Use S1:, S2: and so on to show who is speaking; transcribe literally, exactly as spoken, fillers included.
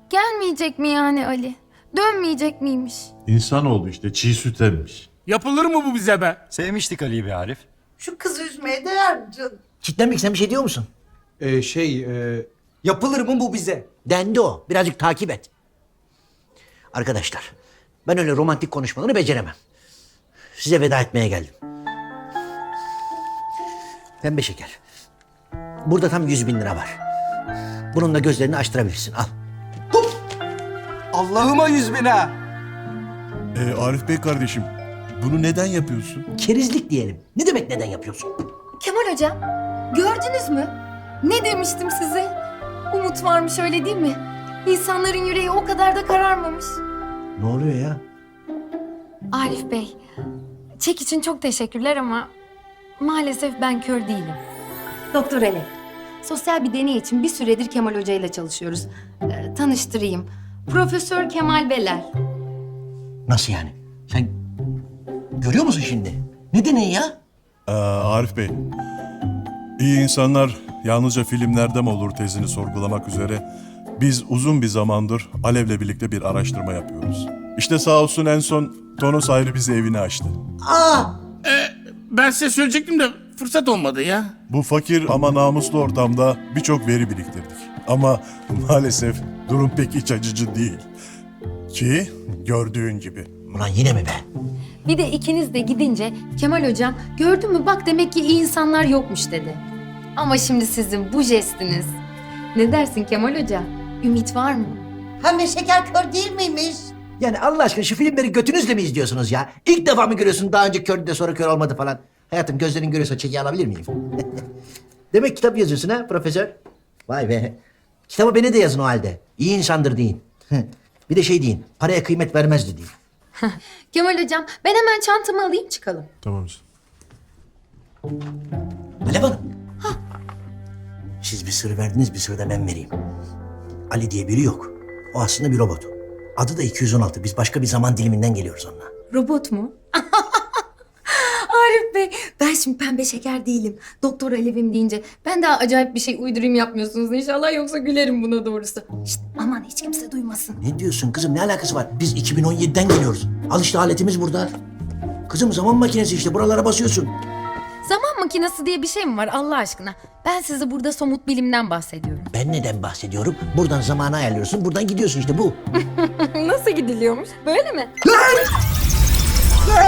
S1: Gelmeyecek mi yani Ali? Dönmeyecek miymiş?
S2: İnsanoğlu işte çiğ süt emmiş.
S3: Yapılır mı bu bize be?
S4: Sevmiştik Ali'yi be Arif.
S5: Şu kızı üzmeye değer mi canım?
S6: Kitlenmek sen bir şey diyor musun?
S7: Ee, şey, e, yapılır mı bu bize?
S6: Dendi o. Birazcık takip et. Arkadaşlar, ben öyle romantik konuşmaları beceremem. Size veda etmeye geldim. Pembe şeker. Burada tam yüz bin lira var. Bununla gözlerini açtırabilirsin. Al.
S7: Allah'ıma yüz bin ha!
S8: Ee, Arif Bey kardeşim, bunu neden yapıyorsun?
S6: Kerizlik diyelim. Ne demek neden yapıyorsun?
S1: Kemal hocam, gördünüz mü? Ne demiştim size? Umut varmış, öyle değil mi? İnsanların yüreği o kadar da kararmamış.
S6: Ne oluyor ya?
S1: Arif Bey, çek için çok teşekkürler ama maalesef ben kör değilim.
S9: Doktor Ali, sosyal bir deney için bir süredir Kemal Hoca ile çalışıyoruz. Ee, tanıştırayım. Profesör Kemal Beler.
S6: Nasıl yani? Sen görüyor musun şimdi? Ne deneyi ya?
S8: Ee, Arif Bey, iyi insanlar yalnızca filmlerde mi olur tezini sorgulamak üzere biz uzun bir zamandır Alev'le birlikte bir araştırma yapıyoruz. İşte sağ olsun en son Tonos ayrı bize evini açtı.
S6: Aa!
S3: Ben size söyleyecektim de fırsat olmadı ya.
S8: Bu fakir ama namuslu ortamda birçok veri biriktirdik. Ama maalesef durum pek iç açıcı değil. Ki gördüğün gibi.
S6: Ulan yine mi be?
S1: Bir de ikiniz de gidince Kemal hocam gördün mü bak demek ki iyi insanlar yokmuş dedi. Ama şimdi sizin bu jestiniz. Ne dersin Kemal hoca? Ümit var mı?
S5: Pembe şeker kör değil miymiş?
S6: Yani Allah aşkına şu filmleri götünüzle mi izliyorsunuz ya? İlk defa mı görüyorsun daha önce kördü de sonra kör olmadı falan? Hayatım gözlerin görüyorsa çeki alabilir miyim? Demek kitap yazıyorsun ha profesör? Vay be. Kitabı beni de yazın o halde. İyi insandır deyin. Bir de şey deyin. Paraya kıymet vermezdi deyin.
S1: Kemal hocam ben hemen çantamı alayım çıkalım.
S8: Tamam.
S6: Alev Hanım. Siz bir sır verdiniz, bir sır da ben vereyim. Ali diye biri yok. O aslında bir robot. Adı da iki yüz on altı. Biz başka bir zaman diliminden geliyoruz onunla.
S9: Robot mu? Arif Bey, ben şimdi pembe şeker değilim. Doktor Alev'im deyince ben daha acayip bir şey uydurayım yapmıyorsunuz inşallah, yoksa gülerim buna doğrusu. Şişt, aman hiç kimse duymasın.
S6: Ne diyorsun kızım? Ne alakası var? Biz iki bin on yediden geliyoruz. Al işte aletimiz burada. Kızım zaman makinesi işte. Buralara basıyorsun.
S1: Zaman makinesi diye bir şey mi var Allah aşkına? Ben size burada somut bilimden bahsediyorum.
S6: Ben neden bahsediyorum? Buradan zamanı ayarlıyorsun. Buradan gidiyorsun işte bu.
S1: Nasıl gidiliyormuş? Böyle mi?
S6: Lan!